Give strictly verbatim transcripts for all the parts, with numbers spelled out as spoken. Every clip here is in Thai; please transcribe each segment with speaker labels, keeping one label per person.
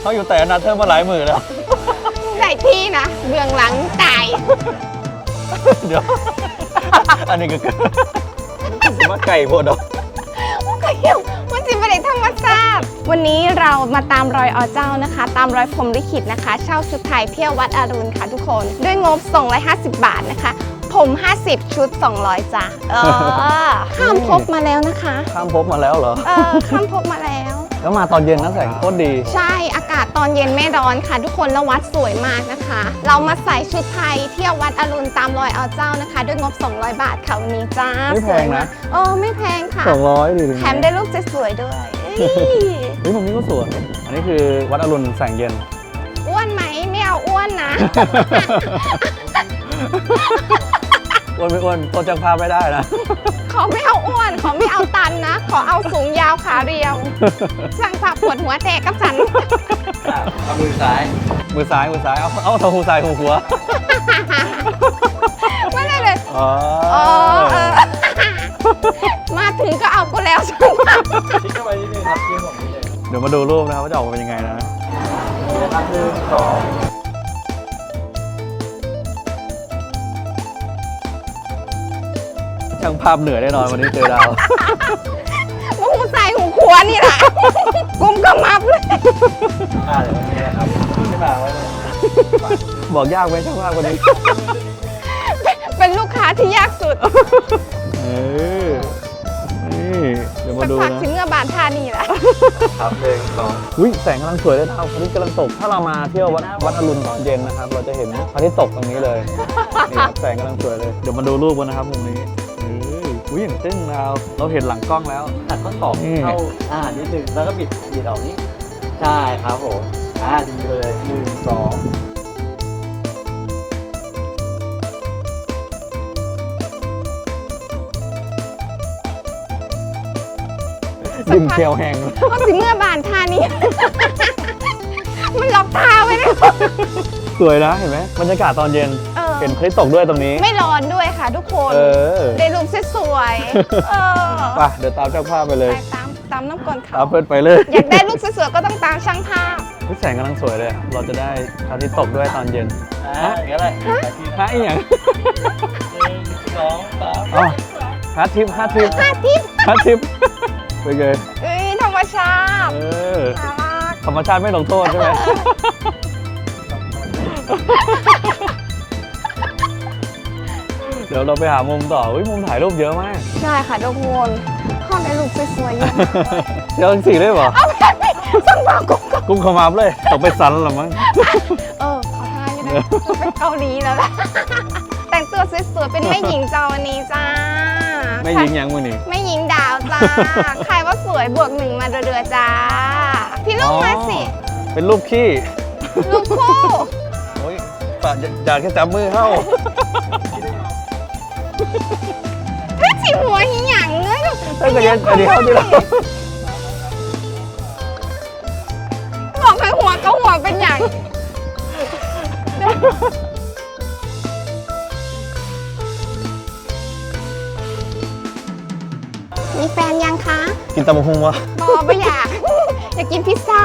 Speaker 1: เขาอยู่แต่นัดเธอมาหลายหมื่นแล้ว
Speaker 2: ได้ที่นะเบื้องหลังตาย
Speaker 1: เดี๋ยวอันนี้ก็ว่าไก่โพดดอก
Speaker 2: ก็เหี่ยวมันจริงไม่ได้ธรรมชาติวันนี้เรามาตามรอยอเจ้านะคะตามรอยพรหมลิขิตนะคะเช่าชุดไทยเที่ยววัดอรุณค่ะทุกคนด้วยงบสองร้อยห้าสิบบาทนะคะผมห้าสิบชุดสองร้อยจ้ะเออข้ามภพมาแล้วนะคะ
Speaker 1: ข้ามภพมาแล้วเหรอ
Speaker 2: เออข้ามภพมาแล้ว
Speaker 1: แล้วมาตอนเย็นนะแสงโคตรดี
Speaker 2: ใช่อากาศตอนเย็นไม่ร้อนค่ะทุกคนแล้ววัดสวยมากนะคะเรามาใส่ชุดไทยเที่ยววัดอรุณตามรอยอเจ้านะคะด้วยงบสองร้อยบาทค่ะวันนี้จ้า
Speaker 1: ไม่แพงนะ
Speaker 2: เออไม่แพงค่ะ
Speaker 1: สองร้อยดี
Speaker 2: แถมได้รูปสวยๆด้วย
Speaker 1: เฮ้ยมุมนี้ก็สวยอันนี้คือวัดอรุณแสงเย็น
Speaker 2: อ้วนไหมไม่เอาอ้วนนะ
Speaker 1: อ้วนไม่อ้วนตัวจังภาพไม่ได้นะ
Speaker 2: ขอไม่เอาอ้วนขอไม่เอาตันนะขอเอาสูงยาวขาเรียวสั่งภาพปวดหัวแตกกับฉัน
Speaker 1: เอามือซ้ายมือซ้ายมือซ้ายเอาเอาเท้าหูซ้ายหูหัว
Speaker 2: ไม่ได้เลย
Speaker 1: อ๋อ
Speaker 2: มาถึงก็เอากูแล้วใช่ไหม
Speaker 1: ชี้เข้าไปนิดนึงครับชี้ผมนิดนึงเดี๋ยวมาดูรูปนะครับว่าจะออกมาเป็นยังไงนะนี่นะครับหนึ่งสองช่างภาพเหนื่อยแน่นอนวันนี้เจอดาว
Speaker 2: หูใส่หูขวานี่แหละกุ้มก็มับเลย
Speaker 1: อ่าเดี๋ยวนี้นะครับไม่มาไว้เลยบอกยากไหมช่างภาพคนนี้
Speaker 2: เป็นลูกค้าที่ยากสุด
Speaker 1: เออนี่เดี๋ยวมาดูนะ
Speaker 2: ถึงเงือบานท่านี่แหละ
Speaker 1: ครับเพลงสองอุ้ยแสงกำลังสวยเลยดาวพระอาทิตย์กำลังตกถ้าเรามาเที่ยววัดวัดอรุณตอนเย็นนะครับเราจะเห็นพระอาทิตย์ตกตรงนี้เลยนี่แสงกำลังสวยเลยเดี๋ยวมาดูรูปกันนะครับมุมนี้อุ้ยอย่างตึ้งเราเราเห็นหลังกล้องแล้ว
Speaker 3: ตัดข้อศอกเข้าอ่านิดนึงแล้วก็บิดบิดออกนี้ใช่ครับผมอ่าดีเลยหนึ่งสอง
Speaker 1: ยิ้มเขียวแห้ง
Speaker 2: ก็สิเมื่อบานท่านี้มันล็อกตาไว้เลย
Speaker 1: สวยนะเห็นไหมบรรยากาศตอนเย็นเห็นพระอาทิตย์ตกด้วยตรงนี้
Speaker 2: ไม่ร้อนด้วยค่ะทุกคนได้รูปสวยๆ
Speaker 1: ไปเดี๋ยวตามช่างภาพไปเลย
Speaker 2: ตามตามน้ำก่อนเขา
Speaker 1: ตามเพื่อนไปเลย
Speaker 2: อยากได้รูปสวยๆก็ต้องตามช่างภาพ
Speaker 1: แสงกำลังสวยเลยเราจะได้พระอาทิตย์ตกด้วยตอนเย็น
Speaker 3: ฮะอย่างไร
Speaker 1: ฮะอีหยัง
Speaker 3: หนึ่งสองสาม
Speaker 1: อ๋อฮะทิปฮะทิป
Speaker 2: ฮะทิป
Speaker 1: ฮะทิปไปเลย
Speaker 2: เอ้ยธรรมชาติ
Speaker 1: เออธรรมชาติไม่ลงโทษใช่ไหมเดี๋ยวเราไปหามุมต่อมุมถ่ายรูปเยอะมาก
Speaker 2: ใช่ค่ะทุกคนห้องได้รูปสวยๆเยอะ
Speaker 1: เดี๋ยวสี่เลยเหรอ
Speaker 2: เอาแบบนี้สั่งมากุ้ง
Speaker 1: กุ้งขมับเลยตกไปสันหรอมั้ง
Speaker 2: เออขอทานยังไงเป็นเกาหลีแล้วล่ะแต่งตัวสวยๆเป็นแม่หญิงจอวันนี้จ้า
Speaker 1: แม่หญิงยังมือนี่
Speaker 2: แม่หญิงดาวจ้าใครว่าสวยบวกหนึ่งมาเรือๆจ้าพี่ลูกมาสิ
Speaker 1: เป็นรูปขี้
Speaker 2: รูปคู่
Speaker 1: โอ้ยปะอยากแค่จับมือเข้า
Speaker 2: เฮ้ยฉีหัวหิหยังเลย
Speaker 1: ถ้าเกิดยังเดี๋ยวเดี๋ยว
Speaker 2: บอกให้หัวก็หัวเป็นอย่างมีแฟนยังคะ
Speaker 1: กินตำบักหุ่งวะ
Speaker 2: บอไม่อยากอยากกินพิซซ่า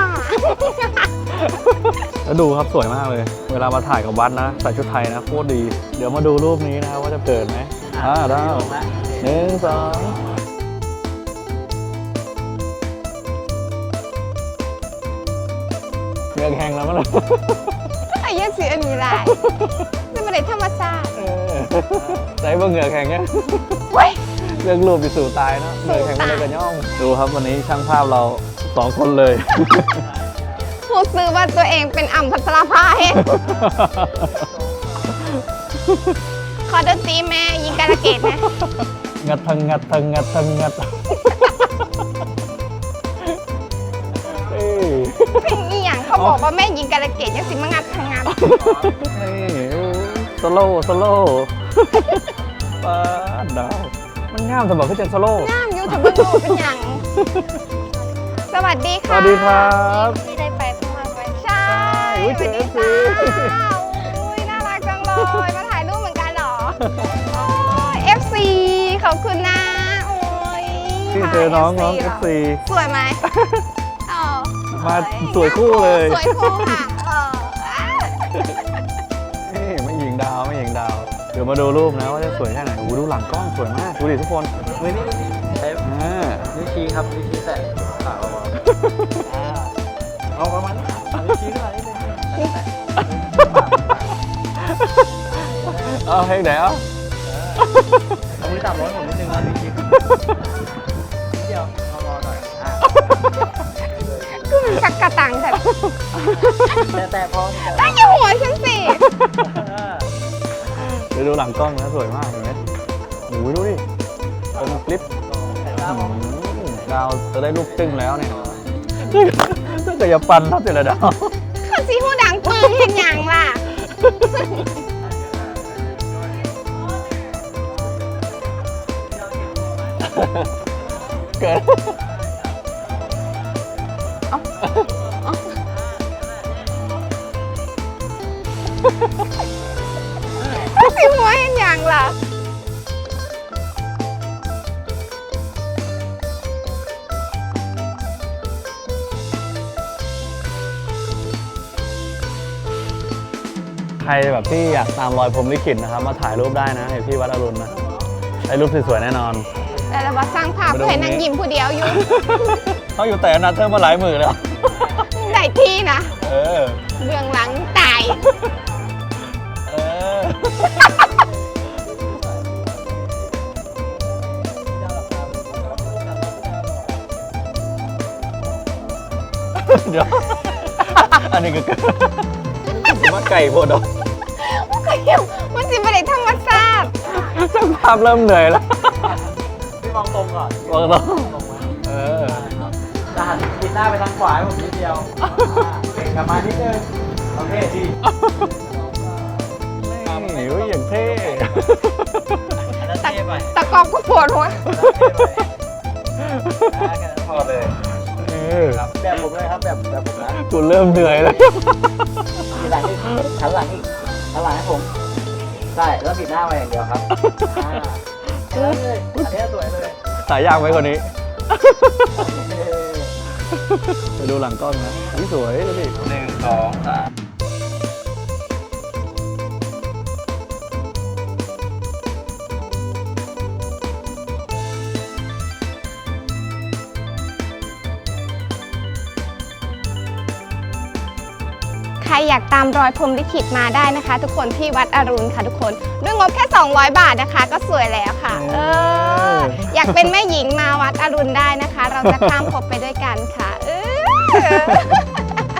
Speaker 1: แล้วดูครับสวยมากเลยเวลามาถ่ายกับวัดนะใส่ชุดไทยนะโคตรดีเดี๋ยวมาดูรูปนี้นะว่าจะเกิดไหมอ่าได้หนึ่งสองเงือกแห้งแล้วมั้งล่ะ
Speaker 2: ไอ้ยักษ์สีอันนี้ไรนี่มันเป็นธรรมชาติ
Speaker 1: ใส่เบอร์เงือกแห้งเนี่ยเรื่องรูปไปสู่ตายนะเงือกแห้งไม่ได้กระย่องดูครับวันนี้ช่างภาพเราสองคนเลย
Speaker 2: พูดซื้อว่าตัวเองเป็นอ่ำพัชราภาเองขอดนตรีแม่ยิงการะเกดนะ
Speaker 1: งัดทังงัดทังงัดทังงัด
Speaker 2: เพลงอีหยังเขาบอกว่าแม่ยิงการะเกดยังสิมางัดทังงัด
Speaker 1: สโลสโลป้าดาวมันง่ามสมบัติขึ้นเจนสโล
Speaker 2: ง่ามยูทูบเบอร์เป็นอย่างสวัสดีค่ะ
Speaker 1: สวัสดีครับ
Speaker 2: ที่ได้ไปพม่าไปใช่สวัสดีค่ะอุ้ยน่ารักจังเลยมาถ่ายรูปเหมือนกันเหรอเอฟซีขอบคุณนะโอ้ย
Speaker 1: ที่เจอน้องน้องเอฟซี
Speaker 2: สวยไหมอ๋อ
Speaker 1: มาสวยคู่เลย
Speaker 2: สวยคู่ค่ะเออ
Speaker 1: นี่ไม่หญิงดาวไม่หญิงดาว เดี๋ยวมาดูรูปนะว่าจะสวยแค่ไหนโอ้โหดูหลังกล้องสวยมาก ดูดิทุกคน
Speaker 3: มือนี่ใช้
Speaker 1: อ่า
Speaker 3: นิ้วชี้ครับนิ้วชี้แตะขาเราอ่าเอาประมาณนี้นิ้วชี้ขึ้นมานิดนึง
Speaker 1: เอาเพลงไหนเอา
Speaker 3: เอามือจับร้อยผมนิดนึงนะนิ้วชี้นิดเดียวรอรอหน่อยอ่า
Speaker 2: ก็มีสักกระตังแต่
Speaker 3: แต่แต่พอ
Speaker 2: ตั้งอยู่หัวฉันสิ
Speaker 1: เดี๋ยวดูหลังกล้องนะสวยมากเห็นไหมโอ้โหดูดิเป็นคลิปอืมดาวจะได้รูปจึ้งแล้วเนี่ยถ้าเกิดอย่าปันทับเจรดาว
Speaker 2: ข้าซีหูดังปึงเห็นอย่างล่ะ
Speaker 1: เกิด
Speaker 2: ข้าซีหัวเห็นอย่างล่ะ
Speaker 1: ใครแบบที่อยากตามรอยพรหมลิขิตนะครับ มาถ่ายรูปได้นะเห็นที่วัดอรุณนะได้รูปสวยๆแน่นอน
Speaker 2: แต่เราบอกสร้างภาพเพื่อให้นางยิ้มผู้เดียวอยู่
Speaker 1: เขาอยู่แต่อนัดเธอมาหลายหมื่นแล้ว
Speaker 2: ได้ที่นะ
Speaker 1: เออ
Speaker 2: เบื้องหลังตาย
Speaker 1: เออ เดี๋ยว อันนี้ก็เกิดมาไก่โบดอก
Speaker 2: ก็เหี่ยวมันสิบอะไรธรรมชาติ
Speaker 1: ช่างภาพเริ่มเหนื่อยแล้ว
Speaker 3: พี่มองตรงก่อน
Speaker 1: มองตรง
Speaker 3: ตรงไว้
Speaker 1: เออ
Speaker 3: จะหันปิดหน้าไปทางขวาให้ผมนิดเดียวกลับมานิดนึงโอเคดี
Speaker 1: นี่อุ้ยอย่างเท่
Speaker 3: อันนั้นเท่ไป
Speaker 2: ตะกอบก็ปวดหัว
Speaker 3: พอเลย
Speaker 1: เออ
Speaker 3: ครับแบบผมเลยครับแบบแบบผมนะ
Speaker 1: กูเริ่มเหนื่อยแล้ว
Speaker 3: ทีหลังอีกหันหลังอีกหันหลังให้ผมใช่แล้วปิดหน้าไว้อย่างเดียวครับอ่าแค่นั้นเลยอันนี้สวยเลย
Speaker 1: สายยากไว้คนนี้ ไปดูหลังกล้องนะอุ้ยสวยดูดิ
Speaker 3: หนึ่งสองสาม
Speaker 2: ใครอยากตามรอยพรหมลิขิตมาได้นะคะ ทุกคนที่วัดอรุณค่ะทุกคนด้วยงบแค่ สองร้อย บาทนะคะ ก็สวยแล้วค่ะ เออ อยากเป็นแม่หญิงมาวัดอรุณได้นะคะ เราจะข้ามภพไปด้วยกันค่ะ เออ